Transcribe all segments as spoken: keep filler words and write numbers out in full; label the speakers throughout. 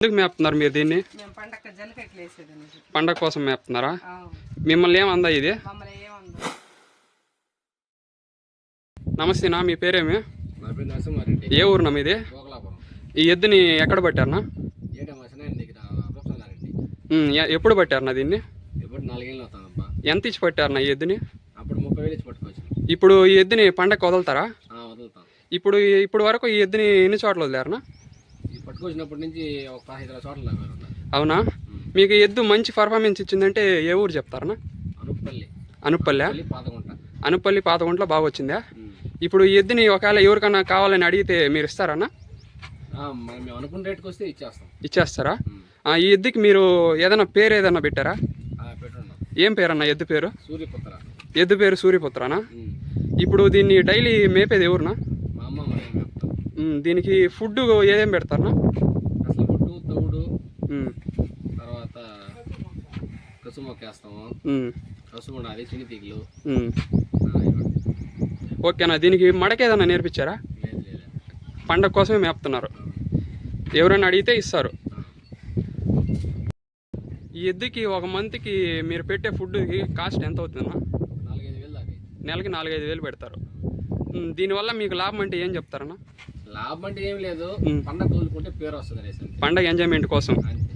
Speaker 1: ఎందుకు మేపుతున్నారు మీరు దీన్ని? పండగ కోసం మేపుతున్నారా? మిమ్మల్ని ఏమందా ఇది? నమస్తే నా, మీ పేరేమి? ఏ ఊరునా మీది? ఈ ఎద్దుని ఎక్కడ పట్టారనా? ఎప్పుడు పట్టారనా దీన్ని? ఎంత ఇచ్చి పట్టారనా ఈ ఎద్దుని? ఇప్పుడు ఈ ఎద్దుని పండగ వదులుతారా? ఇప్పుడు ఇప్పుడు వరకు ఈ ఎద్దుని ఎన్ని చోట్ల వదిలేరనా?
Speaker 2: పట్టుకొచ్చినప్పటి నుంచి ఒక ఐదు చోట్ల.
Speaker 1: అవునా? మీకు ఎద్దు మంచి పర్ఫార్మెన్స్ ఇచ్చిందంటే ఏ ఊరు చెప్తారనా?
Speaker 2: అనుప్పల్లి.
Speaker 1: అనుప్పల్లి అనుప్పల్లి పాతగుంట్లో బాగా వచ్చిందా? ఇప్పుడు ఈ ఎద్దుని ఒకవేళ ఎవరికన్నా కావాలని అడిగితే మీరు ఇస్తారన్నా?
Speaker 2: మేము అనుకున్న రేటుకి వస్తే ఇచ్చేస్తాం.
Speaker 1: ఇచ్చేస్తారా? ఈ ఎద్దుకి మీరు ఏదైనా పేరు ఏదైనా పెట్టారా? ఏం పేరన్నా ఎద్దు పేరు?
Speaker 2: సూర్యపుత్ర.
Speaker 1: ఎద్దు పేరు సూర్యపుత్రనా? ఇప్పుడు దీన్ని డైలీ మేపేది ఎవరునా?
Speaker 2: మా అమ్మ మేపుతాం.
Speaker 1: దీనికి ఫుడ్ ఏదేం పెడతారనా?
Speaker 2: అసలు ఫుడ్డు తౌడు, తర్వాత కసుమొక్క వేస్తాము, కసుము ఉండాలి, చిన్ని తీగలు.
Speaker 1: ఓకేనా? దీనికి మడకేదన్నా నేర్పించారా? పండగ కోసమే మేపుతున్నారు. ఎవరైనా అడిగితే ఇస్తారు. ఈ ఎద్దుకి ఒక మంత్కి మీరు పెట్టే ఫుడ్కి కాస్ట్ ఎంత అవుతుందన్నా?
Speaker 2: నాలుగైదు వేలు దాకా.
Speaker 1: నెలకి నాలుగైదు వేలు పెడతారు. దీనివల్ల మీకు లాభం అంటే ఏం చెప్తారన్నా?
Speaker 2: లాభం అంటే ఏం లేదు, పండగ తోలుకుంటే పేరు వస్తుంది.
Speaker 1: పండగ ఎంజాయ్మెంట్ కోసం.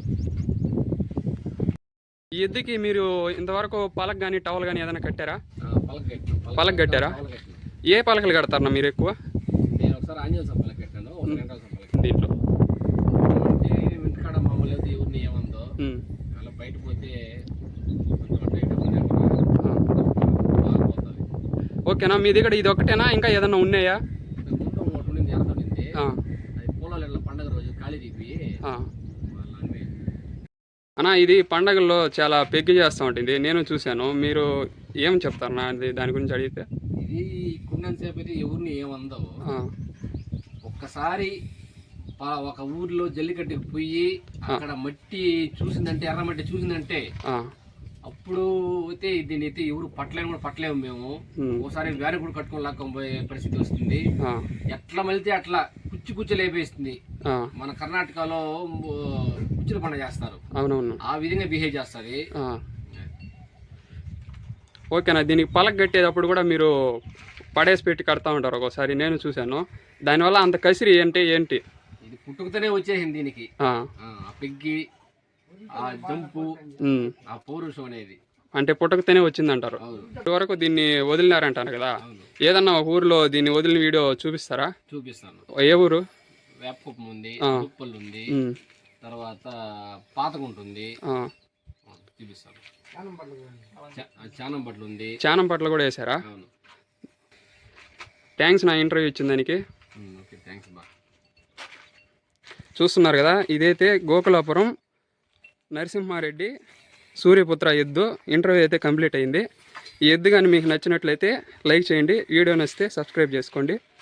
Speaker 1: ఈ ఎద్దుకి మీరు ఇంతవరకు పలక కానీ టవల్ కానీ ఏదైనా కట్టారా? పలక కట్టారా? ఏ పలకలు కడతారన్నా మీరు ఎక్కువ?
Speaker 2: నేను ఒకసారి ఆంజనేయ పలక కట్టాను.
Speaker 1: దీంట్లో
Speaker 2: ఇంటికాడ మామూలు ఎవరిని ఏమందో అలా బయట పోతే
Speaker 1: ఓకేనా? మీ దగ్గర ఇది ఒక్కటేనా ఇంకా ఏదన్నా ఉన్నాయా?
Speaker 2: పండగ రోజు ఖాళీ తీపి
Speaker 1: అన్నా, ఇది పండగల్లో చాలా పెగ్గి చేస్తూ ఉంటుంది, నేను చూశాను. మీరు ఏం చెప్తారన్నా దాని గురించి అడిగితే?
Speaker 2: ఇది కున్నంతసేపు అయితే ఎవరిని ఏమందో, ఒక్కసారి ఒక ఊర్లో జల్లికట్టుకు పోయి అక్కడ మట్టి చూసిందంటే, ఎర్ర మట్టి చూసిందంటే అప్పుడు అయితే దీన్ని అయితే ఎవరు పట్టలేము కూడా పట్టలేము మేము. ఒకసారి వ్యాన్ కూడా కట్టుకొని లాక్కొని పోయే పరిస్థితి వస్తుంది. ఎట్లా మలితే అట్లా కుచ్చి కుచ్చి లేపేస్తుంది. మన కర్ణాటకలో కుచ్చుల పండుగ చేస్తారు,
Speaker 1: అవునవును,
Speaker 2: ఆ విధంగా బిహేవ్ చేస్తుంది.
Speaker 1: ఓకేనా? దీనికి పలక కట్టేటప్పుడు కూడా మీరు పడేసి పెట్టి కడతా ఉంటారు ఒకసారి, నేను చూశాను. దానివల్ల అంత కసిరి అంటే ఏంటి?
Speaker 2: ఇది పుట్టుకతోనే వచ్చేసింది దీనికి. ఆ పెగ్గి, ఆ జంపు, ఆ పౌరుషం అనేది
Speaker 1: అంటే పుట్టకతోనే వచ్చిందంటారు. ఇప్పటివరకు దీన్ని వదిలినారంటారు కదా, ఏదన్నా ఒక ఊరిలో దీన్ని వదిలిన వీడియో చూపిస్తారా?
Speaker 2: చూపిస్తాను.
Speaker 1: ఏ ఊరు?
Speaker 2: వేపకుప్పం ఉంది, ఉప్పల్ ఉంది, తర్వాత పాతగుంట ఉంది, చూపిస్తాను. చానంపట్ల ఉంది.
Speaker 1: చానంపట్ల కూడా వేసారా? థ్యాంక్స్ నా ఇంటర్వ్యూ ఇచ్చిన దానికి.
Speaker 2: థ్యాంక్స్ బా.
Speaker 1: చూస్తున్నారు కదా, ఇదైతే గోకులాపురం నరసింహారెడ్డి సూర్యపుత్ర ఎద్దు. ఇంటర్వ్యూ అయితే కంప్లీట్ అయింది. ఈ ఎద్దు కానీ మీకు నచ్చినట్లయితే లైక్ చేయండి, వీడియో నచ్చితే సబ్స్క్రైబ్ చేసుకోండి.